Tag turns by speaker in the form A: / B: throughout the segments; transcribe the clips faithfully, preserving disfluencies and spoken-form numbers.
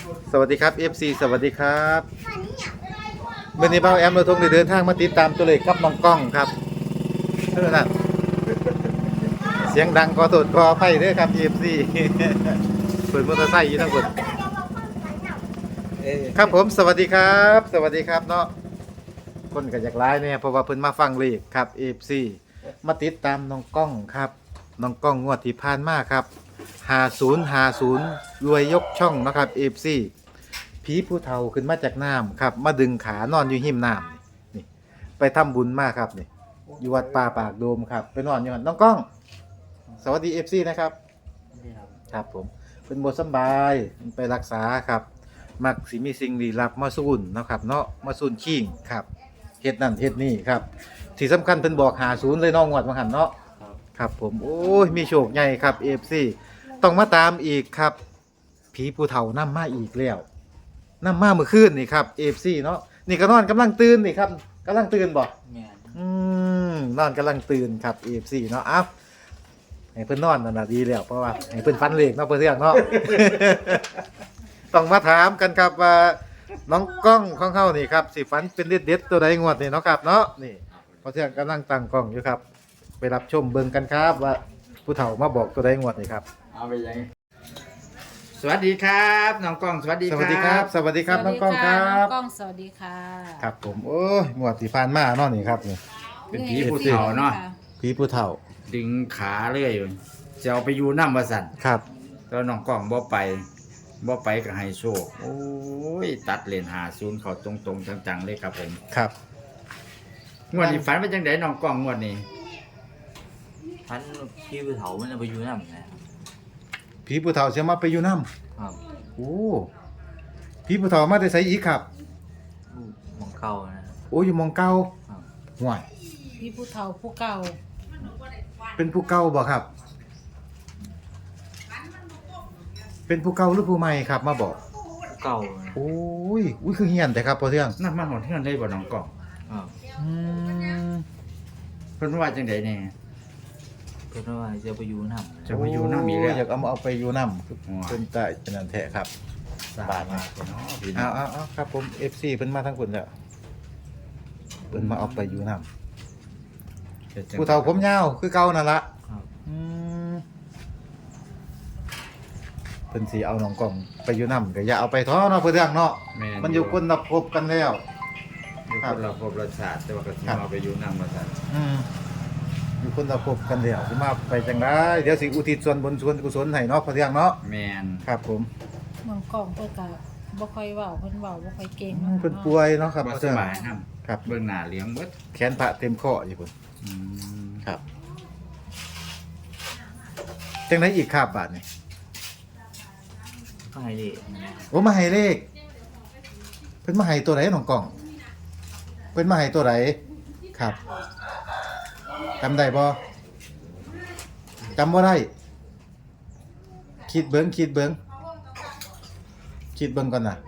A: สวัสดีครับ เอฟ ซี สวัสดีครับเมื่อนี้เบ้าแอมเราทงได้เดินทางมาติดตามตัวเลขครับน้องกล้องครับเท่านั้นเสียงดังก็ตดก็ไฟด้วยครับ เอฟ ซี เปิดมอเตอร์ไซค์อยู่ทั้งหมดครับผมสวัสดีครับ สวัสดีครับเนาะคนก็อยากไลฟ์เนี่ยเพราะว่าเพิ่นมาฟังเลขครับ เอฟ ซี มาติดตามน้องกล้องครับน้องกล้องงวดที่ผ่านมาครับห้าศูนย์ ห้าศูนย์รวยยกช่องนะครับ เอฟ ซี ผีผู้เฒ่าขึ้นมาจากน้ำครับมาดึงขานอนอยู่หิมน้ำนี่นี่ไปทำบุญมากครับนี่อยู่วัดป่าปากโดมครับไปนอนอยู่นั่นน้องกล้อง สวัสดี เอฟ ซี นะครับครับผมเป็นบทสบายไปรักษาครับมักสิมีสิ่งลี้ลับมาสูนเนาะครับเนาะมาสูนขิงครับเฮ็ดนั่นเฮ็ดนี่ครับที่สำคัญเพิ่นบอกหาศูนย์เลยน้องงวดมาหันเนาะครับผมโอ้ยมีโชคใหญ่ครับ เอฟ ซี ต้องมาตามอีกครับผีผู้เฒ่านำมาอีกแล้วนำมาเมื่อคืนนี่ครับ เอฟ ซี เนาะนี่ก็นอนกำลังตื่นนี่ครับกำลังตื่นบ่แม่นอืมนอนกำลังตื่นครับ เอฟ ซี เนาะอ้าวให้เพิ่นนอนนั่นน่ะดีแล้วเพราะว่าให้เพิ่นฝันเลขเนาะเพิ่นเรื่องเนาะ ต้องมาถามกันครับว่าน้องกล้องของเฮานี่ครับสิฝันเป็นเด็ดๆตัวใดงวดนี่เนาะครับเนาะนี่เพราะเที่ยงกำลังตั้งกล้องอยู่ครับไปรับชมเบิ่งกันครับว่าผู้เฒ่ามาบอกตัวใดงวดนี่ครับ
B: เอาไปยังสวัสดีครับน้องกล้องสวัสดี
A: สวัสดีครับสวัสดีครับน้องกล้องครับ
C: น้องกล้องสวัสดีค่ะ
A: ครับผมโอ้ยงวดที่ผ่านมาเนาะนี่ครับนี่
B: เป็นผีผู้เฒ่าเนาะ
A: ผีผู้เฒ่า
B: ดึงขาเรื่อยจะเอาไปอยู่น้ำวสัน
A: ครับ
B: แล้วน้องกล้องบ่ไปบ่ไปก็ให้โชคโอ้ยตัดเลนหาศูนย์เขาตรงๆจังๆเลยครับผม
A: ครับ
B: งวดนี้ฝันว่าจังไดน้องกล้องงวดนี้
D: พันพี่ผู้เฒ่ามันจะไปอยู่น้ำนะ
A: ผีผู้เฒ่าเสียมาไปอยู่น้
D: ำครับ
A: โอ้ผีผู้เฒ่ามาได้ใส่อีกครับ
D: มองเก่านะ
A: โอ้อยู่มองเก่าห่วย
C: พี่ผู้เฒ่าผู้เก่า
A: เป็นผู้เก่าบ่ครับเป็นผู้เก่าหรือผู้ใหม่ครับมาบอก
D: เก่า
A: โอ้ยอุ้ยคือเฮียนแต่ครับพอเที่ยง
B: นั่นมาหอดเฮือนเลยบ่น้องกล้อง
D: ครับ
A: อืม
B: เพิ่นว่าจังไดแน่
D: เพิ่นว่าจะไปอยู่น้ำ
B: จะไปอยู่น้ำอีกแล้ว
A: อยากเอามาเอาไปอยู่น้ำเพิ่นตายเป็นนั่นแท้ครับ
B: บาทมาเนาะพี่น้
A: เอา
B: อง
A: เอาๆครับผม เอฟ ซี เพิ่นมาทั้งคนแล้วเพิ่นมาเอาไปอยู่น้ำผู้เฒ่าผมยาวคือเก่านั่นล่ะ
D: ครับ
A: อืมเพิ่นสิเอาน้องกล้องไปอยู่น้ำก็อย่าเอาไปท้อเนาะเพิ่นเรื่องเนาะมันอยู่คนละภพกันแล้ว
B: อยู่คนละภพละชาติแต่ว่าก็สิเอาไปอยู่น้ำว่าซั่น
A: อืมอยู่คนละภพกันแล้วสิมาไปจังได๋เดี๋ยวสิอุทิศส่วนบุญส่วนกุศลให้เนาะเพิ่นเรื่องเนาะ
B: แม่น
A: ครับผม
C: น้องกล้องเพิ่นก็บ่ค่อยเว้าเพิ่นเว้าบ่ค่อยเก่ง
A: เพิ่นป่วยเนาะครับ
B: บ่สบายนำ
A: ครับ
B: เบิ่งหน้าเลี้ยงเบิด
A: แขนพระเต็มข้ออยู่พุ่น
B: อืม
A: ครับจังได๋อีกครับบาดนี้
D: ก็ให้เลข
A: โอ้มาให้เลขเพิ่นมาให้ตัวไหนน้องกล้องเพิ่นมาให้ตัวไหนครับจำได้บ่จำบ่ได้คิดเบิ่งคิดเบิ่งคิดเบิ่งก่อนน่ะ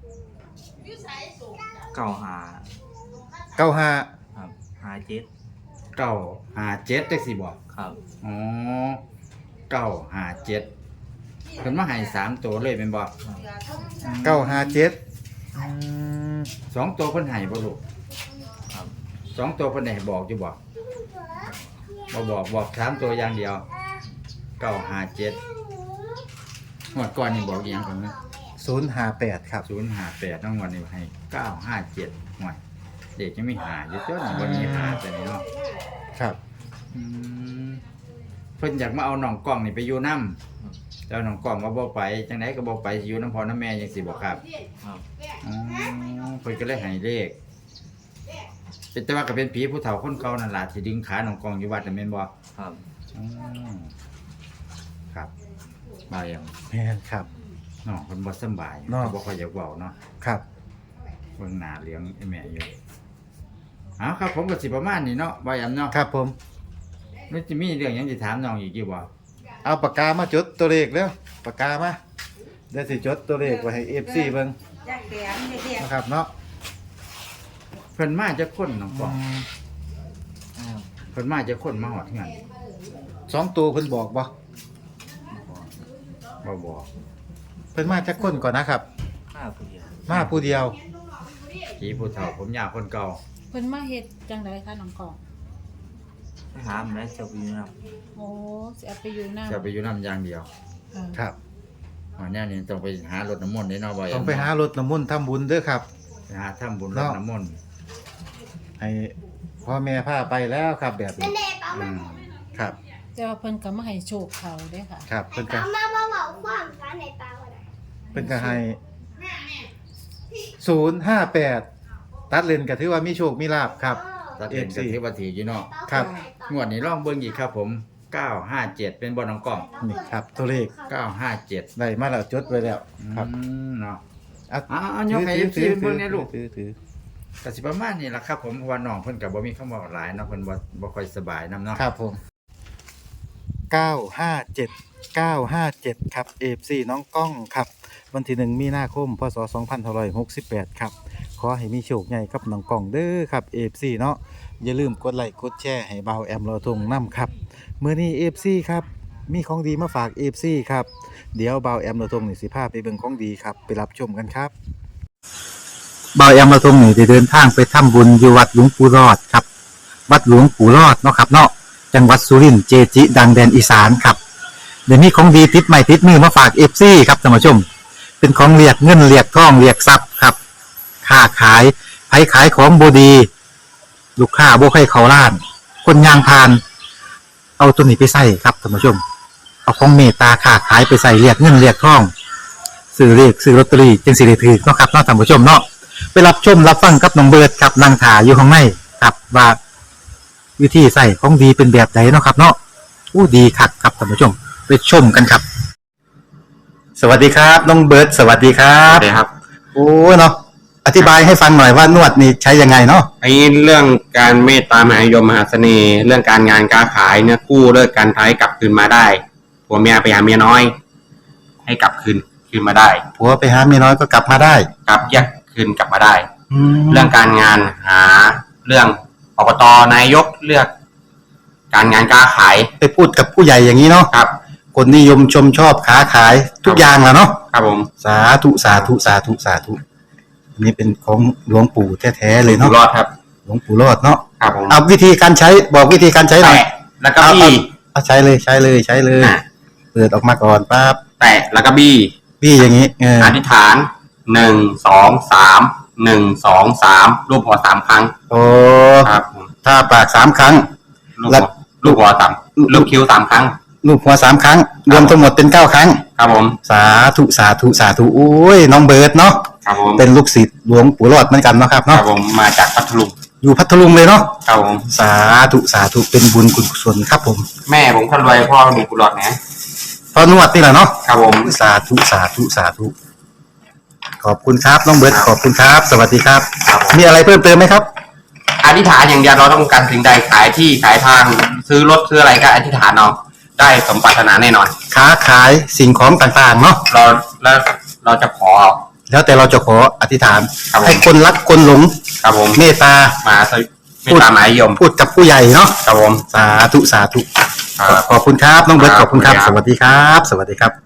D: เก่าหา
A: เก้าห้า
D: ครับหาเจ็ด
B: เก้าห้าเจ็ดจังซี่บ่
D: ครับ
B: อ๋อเก้าห้าเจ็ดเพิ่นมาให้สามตัวเลยแม่นบ่
A: เก้าห้าเจ็ดอืม
B: สองตัวเพิ่นให้บ่ลูก
D: ครับ
B: สองตัวเพิ่นให้บอกอยู่บ่บ่บอกบอกสามตัวอย่างเดียวเก้าห้าเจ็ดงวดก่อนนี่บอกอีหยังก่อนนะ
A: ศูนย์ห้าแปดครับ
B: ศูนย์ห้าแปดน้องวันนี้ให้เก้าห้าเจ็ดหวยเด็กยังไม่หาอยู่จ้ะวันนี้หาแต่นี่เนาะ
A: ครับ
B: อืมเพิ่นอยากมาเอาน้องกล้องนี่ไปอยู่นำแต่น้องกล้องว่าบ่ไปจังได๋ก็บ่ไปอยู่นำพ่อนำแม่จังซี่บ่ครับ
D: ครับ
B: อ๋อเพิ่นก็เลยให้เลขเป็นแต่ว่าก็เป็นผีผู้เฒ่าคนเก่านั่นล่ะที่ดึงขาน้องกล้องอยู่วัดน่ะแม่นบ่
D: ครับ
B: อ๋อครับมาอย่าง
A: แม่นครับ
B: น้องเพิ่นบ่สบายก็บ่ค่อยอยากเว้าเนาะ
A: ครับ
B: เบิ่งหน้าเลี้ยงไอ้แม่อยู่อ้าวครับผมก็สิประมาณนี้เนาะบ่ยำเนาะ
A: ครับผม
B: มันสิมีเรื่องหยังสิถามน้องอีกอยู่บ่
A: เอาปากกามาจดตัวเลขแล้วปากกามาเดี๋ยวสิจดตัวเลขไว้ให้ เอฟ ซี เบิ่งนะครับเนาะ
B: เพิ่นมาจากคนน้องป้องเพิ่นมาจากคนมาฮอดเฮือน
A: สองตัวเพิ่นบอกบ่
B: บ่บอก
A: เพิ่นมาจากคนก่อนนะครับ
D: มาผู้เดียว
A: มาผู้เดียว
B: ผีผู้เฒ่าผมยาวคนเก่า
C: เพิ่นมาเฮ็ดจังไดคะน้องกอง
D: ไปหาแม่เจ้าอยู่นะครับ
C: โอ้สิเอาไปอยู่นำ
B: จะไปอยู่น้ำอย่างเดียว
A: ครับ
B: อ๋อเนี่ยนี่ต้องไปหารถน้ำมนต์ได้เนาะบ่อย
A: ต้องไปหารถน้ำมนต์ทำบุญเด้อครับ
B: ไปหาทำบุญร
A: เนาะ
B: ถน้ำมนต์
A: ให้พ่อแม่พาไปแล้วครับแบบนี้
B: อืม
A: ครับ
C: แต่ว่าเพิ่นก็มาให้โชคเขาเด้ค่ะ
A: ครับเพิ่นก็
E: เอามามาบอกความกันในตาวันไหน
A: เพิ่นก็ให้ศูนย์ห้าแปดตัดเลนก็ถือว่ามีโชคมีลาบครับ
B: ตัดเอง
A: เอฟซี
B: กับที่ว่าถืออยู่เนาะ
A: ครับ
B: งวดนี้ลองเบิ่งอีกครับผมเก้าห้าเจ็ดเป็นบ่น้องกล้อง
A: นี่ครับ ตัวเลข
B: เก้าห้าเจ็ด
A: ได้มาแล้วจดไว้แล้วครับ
B: อืมเนาะ
A: อ่ะ
B: อ่าๆยกให้
A: ถือ
B: เอฟซีเบิ่งในลูก
A: ถือถือ
B: ก็สิประมาณนี้ล่ะครับผมเพราะว่าน้องเพิ่นก็บ่มีคำเว้าหลายเนาะเพิ่นบ่บ่ค่อยสบายนํเนาะ
A: ครับผมเก้าห้าเจ็ด เก้าห้าเจ็ดครับ เอฟ ซี น้องก้องครับ วันที่หนึ่งมีนาคมพศสองพันห้าร้อยหกสิบแปดครับ ขอให้มีโชคใหญ่กับน้องก้องเด้อครับ เอฟ ซี เนาะอย่าลืมกดไลค์กดแชร์ให้เบาแอมเราทงนํครับมื้อนี้ เอฟ ซี ครับมีของดีมาฝาก เอฟ ซี ครับเดี๋ยวเบาแอมเราทงนี่สิพาไปเบิ่งของดีครับไปรับชมกันครับเบาแอมเราทงนี่ได้เดินทางไปทำบุญอยู่วัดหลวงปู่รอดครับ วัดหลวงปู่รอดเนาะครับเนาะจังหวัดสุรินทร์เจจิ ดังแดนอีสานครับเดี๋ยวนี้ของดีติดใหม่ติดมือมาฝาก เอฟ ซี ครับท่านผู้ชม เป็นของเรียกเงินเรียกทองเรียกทรัพย์ครับค้าขายไผขายของบดี ลูกค้าบ่ให้เขาล้าน คนยางพาน เอาตัวนี้ไปใส่ครับท่านผู้ชม เอาของเมตตาค้าขายไปใส่เรียกเงินเรียกทองซื้อเรียกซื้อลอตเตอรี่จึงสิได้ถือเนาะครับเนาะท่านผู้ชมเนาะไปรับชมรับฟังกับน้องเบิร์ดครับนางถาอยู่ข้างในครับว่าวิธีใส่ของดีเป็นแบบไหนเนาะครับเนาะอู้ดีคักครับท่านผู้ชมไปชมกันครับ สวัสดีครับน้องเบิร์ดสวัสดีครั
F: ครับ บครับ
A: โอ้เนาะอธิบายให้ฟังหน่อยว่านวดนี่ใช้ยังไงเนาะ
F: ไอ้เรื่องการเมตตามหานิยมมหาเสน่ห์ เรื่องการงานการขายเนี่ยกู้เลิกการท้ายกลับคืนมาได้ผัวเมียไปหาเมียน้อย ให้กลับคืนคืนมาได้
A: ผัวไปหาเมียน้อยก็กลับมาได้
F: กลับแยกคืนกลับมาได้
A: แล้
F: เรื่
A: ว
F: องการงานหาเรื่องอบตนายกเลือก การงานการขาย
A: ไปพูดกับผู้ใหญ่อย่างนี้เนาะ
F: ครับ
A: คนนิยมชมชอบค้าขายทุกอย่างแหละเนาะ
F: ครับผม
A: สาธุสาธุสาธุสาธุอันนี้เป็นของหลวงปู่แท้ๆเลย
F: อยู่
A: เนาะ
F: รอดครับ
A: หลวงปู่รอดเนาะ
F: ครับผม
A: เอาวิธีการใช้บอกวิธีการใช้หน่อย
F: แตะแล้วก็บี้
A: เอาใช้เลยใช้เลยใช้เลย
F: อ่ะ
A: เปิดออกมาก่อนปั๊บ
F: แตะแล้วก็บี้
A: พี่อย่างนี้เออ
F: อธิษฐานหนึ่งสองสามหนึ่งสองสามรูปหัวสามครั้ง
A: โอ้
F: ครับผม
A: ถ้าปากสามครั้ง
F: ลูก
A: แล้
F: หั
A: ว
F: วลูกหัวสามลูกคิ้วสามครั้ง
A: ลูกหัวสามครั้ง รวมทั้งหมดเป็นเก้าครั้ง
F: ครับผม
A: สาธุสาธุสาธุโอ้ยน้องเบิร์ดเนาะ
F: ครับผม
A: เป็นลูกศิษย์หลวงปู่รอดเหมือนกันเนาะครับ
F: ครั
A: เนาะ
F: บผมมาจากพัทลุง
A: อยู่พัทลุงเลยเนาะ
F: ครับผม
A: สาธุสาธุเป็นบุญคุณกุศลครับผม
F: แม่ผมคนรวยพ่อมีกุหลาบนะ
A: พอนวดนี่แหละเนาะ
F: ครับผม
A: สาธุสาธุสาธุขอบคุณครับน้องเบิร์ดขอบคุณครับ สวัสดีครับ
F: ครับผม
A: มีอะไรเพิ่มเติมไหมครับ
F: อธิษฐานอย่างเดียวเราต้องการสิ่งใดขายที่ขายทาง ซื้อรถซื้ออะไรก็อธิษฐานเอาได้สมปรารถนาแน่นอน
A: ค้าขายสิ่งของต่างๆเนาะ
F: เราแล้วเราจะขอ
A: แล้วแต่เราจะขออธิษฐาน
F: ครับผม
A: ให้คนรักคนหลง
F: ครับผม
A: เมตตา
F: มาสวิไม่ตามหมายยม
A: พูดกับผู้ใหญ่เนาะ
F: ครับผม
A: สาธุสาธุ
F: ครับ
A: ขอบคุณครับน้องเบิร์ต
F: ค
A: ข
F: รับ
A: อบคุณครับ
F: ขอบ
A: ส
F: คุณครับ
A: วัสดีครับ สวัสดีครับ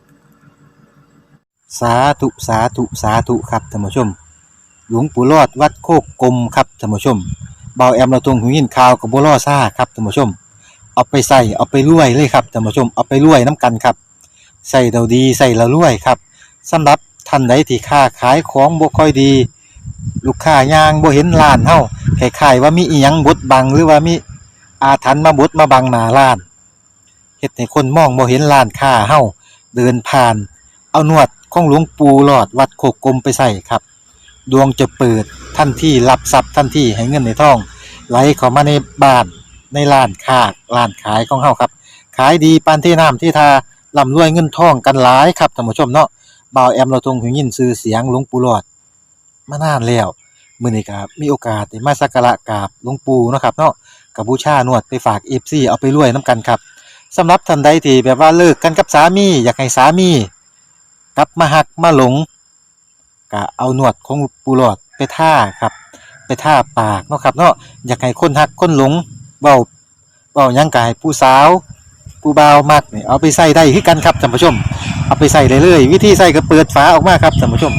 A: สาธุสาธุสาธุครับท่านผู้ชม หลวงปู่รอดวัดโคกกลมครับท่านผู้ชมเบาแอมเราตรงหูยินข่าวกับบัวล่อซ่าครับท่านผู้ชม เอาไปใส่เอาไปรวยเลยครับท่านผู้ชมเอาไปรวยน้ำกันครับใส่เราดีใส่เรารวยครับสำหรับท่านใดที่ค้าขายของบ่ค่อยดี ลูกค้ายางบ่เห็นร้านเฮาคล้ายๆว่ามีอีหยังบดบังหรือว่ามีอาถรรพ์มาบดมาบังหน้าร้านเฮ็ดให้คนมองบ่เห็นร้านค้าเฮาเดินผ่าน เอานวดของหลวงปู่หลอดวัดโคกกลมไปใส่ครับดวงจะเปิดทันทีรับทรัพย์ทันทีให้เงินในท้องไหลเข้ามาในบ้านในร้านค้าร้านขายของเฮาครับขายดีปานที่น้ำที่ทาร่ำรวยเงินทองกันหลายครับท่านผู้ชมเนาะบ่าวแอมเราทรงหูยินชื่อเสียงหลวงปู่หลอดมานานแล้วมื้อนี้ก็มีโอกาสได้มาสักการะกราบหลวงปู่เนาะครับเนาะก็บูชานวดไปฝาก เอฟ ซี เอาไปรวยนํกันครับสำหรับท่านใดที่แบบว่าเลิกกันกับสามีอยากให้สามีกลับมาหักมาหลงก็เอานวดของปูหลอดไปท่าครับไปท่าปากเนาะครับเนาะอยากให้คนหักคนหลงเว้าเว้าหยังก็ให้ผู้สาวผู้บ่าวมักนี่เอาไปใส่ได้คือกันครับท่านผู้ชมเอาไปใส่ได้เลยวิธีใส่ก็เปิดฝาออกมาครับท่านผู้ชม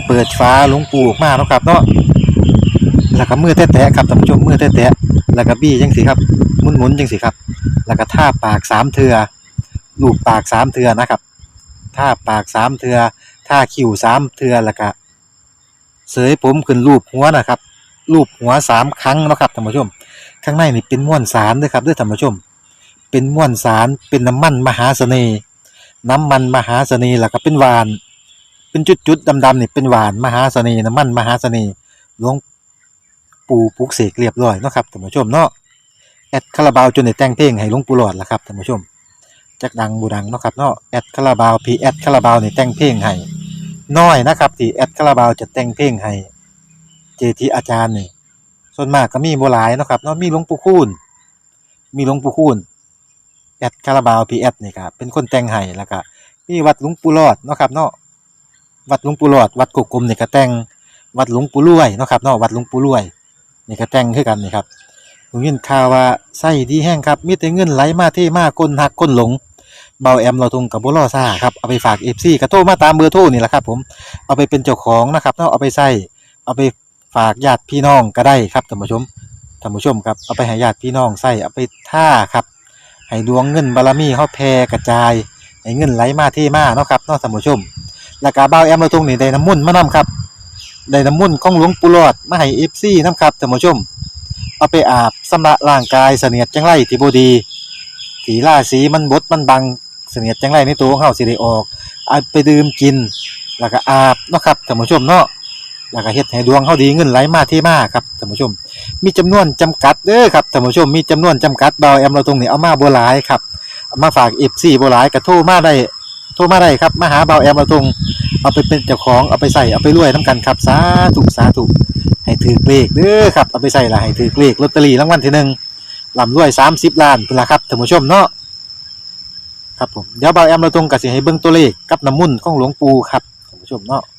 A: เปิดฝาหลวงปู่ออกมาเนาะครับเนาะแล้วก็มือแตะๆครับท่านผู้ชมมือแตะๆแล้วก็บี้จังสิครับหมุนๆจังสิครับแล้วก็ท่าปากสามเทื่อลูบปากสามเทื่อนะครับท่าปากสามเทื่อท่าคิ้วสามเทื่อแล้วก็เสยผมขึ้นรูปหัวนะครับรูปหัวสามครั้งเนาะครับท่านผู้ชมข้างในนี่เป็นม้วนสารเด้อครับเด้อท่านผู้ชมเป็นม้วนสารเป็นน้ำมันมหาเสน่ห์น้ำมันมหาเสน่ห์แล้วก็เป็นหวานเป็นจุดๆดำๆนี่เป็นหวานมหาเสน่ห์น้ำมันมหาเสน่ห์หลวงปู่ปลุกเสกเรียบร้อยเนาะครับท่านผู้ชมเนาะแอดคาราบาวจนได้แต่งเพลงให้หลวงปู่หลอดล่ะครับท่านผู้ชมจักดังบูดังเนาะครับเนาะแอดคาราบาวพีแอดคาราบาวนี่แต่งเพลงให้น้อยนะครับที่แอดคาราบาวจะแต่งเพลงให้เจทีอาจารย์นี่ส่วนมากก็มีบ่หลายเนาะครับเนาะมีหลวงปู่คูณมีหลวงปู่คูณแอดคาราบาวพีแอดนี่ครับเป็นคนแต่งให้แล้วก็มีวัดหลวงปู่หลอดเนาะครับเนาะวัดหลวงปู่หลอดวัดกุกกลมนี่ก็แต่งวัดหลวงปู่รวยเนาะครับเนาะวัดหลวงปู่รวยนี่ก็แต่งคือกันนี่ครับผมยินข่าวว่าไส้ดีแห้งครับมีแต่เงินไหลมาเทมาก้นหักก้นหลงเบาแอมเราทุงกับบ่รอซ่าครับเอาไปฝาก เอฟ ซี ก็โทรมาตามเบอร์โทรนี่แหละครับผมเอาไปเป็นเจ้าของนะครับเนาะเอาไปใส่เอาไปฝากญาติพี่น้องก็ได้ครับท่านผู้ชมท่านผู้ชมครับเอาไปให้ญาติพี่น้องใส่เอาไปท่าครับให้ดวงเงินบารมีเฮาแผ่กระจายให้เงินไหลมาเทมาเนาะครับเนาะท่านผู้ชมแล้วก็เบาแอมเราทุงนี่ได้น้ำมนต์มานํครับได้น้ำมนต์ของหลวงปู่หลอดมาให้ เอฟ ซี นํครับท่านผู้ชมเอาไปอาบชำระร่างกายเสนียดจังไรที่บ่ดีที่ราศีมันบดมันบังเสนียดจังไรในตัวของเฮาสิได้ออกเอาไปดื่มกินแล้วก็อาบเนาะครับท่านผู้ชมเนาะแล้วก็เฮ็ดให้ดวงเฮาดีเงินไหลมาเทมาครับท่านผู้ชมมีจำนวนจำกัดเด้อครับท่านผู้ชมมีจำนวนจำกัดเบาแอมเราตรงนี้เอามาบ่หลายครับเอามาฝาก เอฟ ซี บ่หลายก็โทรมาได้โทรมาได้ครับมาหาเบาแอมเราตรงเอาไปเป็นเจ้าของเอาไปใส่เอาไปรวยนํกันครับสาธุสาธุให้ถือเลขเด้อครับเอาไปใส่ละให้ถือเลขลอตเตอรี่รางวัลที่หนึ่งร่ำรวยสามสิบล้านพุ่นล่ะครับท่านผู้ชมเนาะครับผมเดี๋ยวเบาแอมเราตรงก็สิให้เบิ่งตัวเลขกับน้ำมนต์ของหลวงปู่ครับท่านผู้ชมเนาะ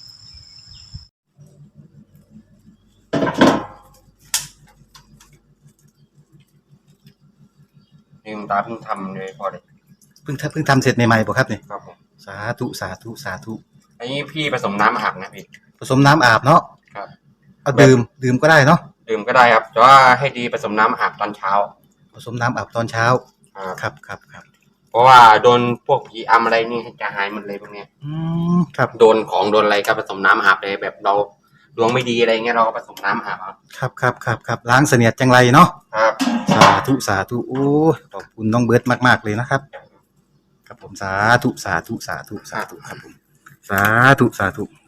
F: ลืมตาเพิ่งทำเลยพอเลย
A: เพิ่งทำเพิ่งทำเสร็จใหม่ๆบ่ครับนี่
F: ครับผม
A: สาธุสาธุสาธุ
F: อันนี้พี่ผสมน้ำอาบนะพี่
A: ผสมน้ำอาบเนาะ
F: ครับ
A: เอาดื่มดื่มก็ได้เนาะ
F: ดื่มก็ได้ครับแต่ว่าให้ดีผสมน้ำอาบตอนเช้า
A: ผสมน้ำอาบตอนเช้า
F: ครับ
A: ครับครับครับ
F: เพราะว่าโดนพวกผีอำอะไรนี่จะหายหมดเลยพวกเนี้ย
A: อืมครับ
F: โดนของโดนอะไรก็ผสมน้ำอาบเลยแบบเราดวงไม่ดีอะไรเงี้ยเราก็ผสมน้ำอาบเอา
A: ครับครับครับครับล้างเสนียดจังไรเนาะ
F: ครับ
A: สาธุสาธุโอ้ยขอบคุณน้องเบิร์ตมากๆเลยนะครับครับผมสาธุสาธุสาธุสาธุครับผมสาธุสาธุ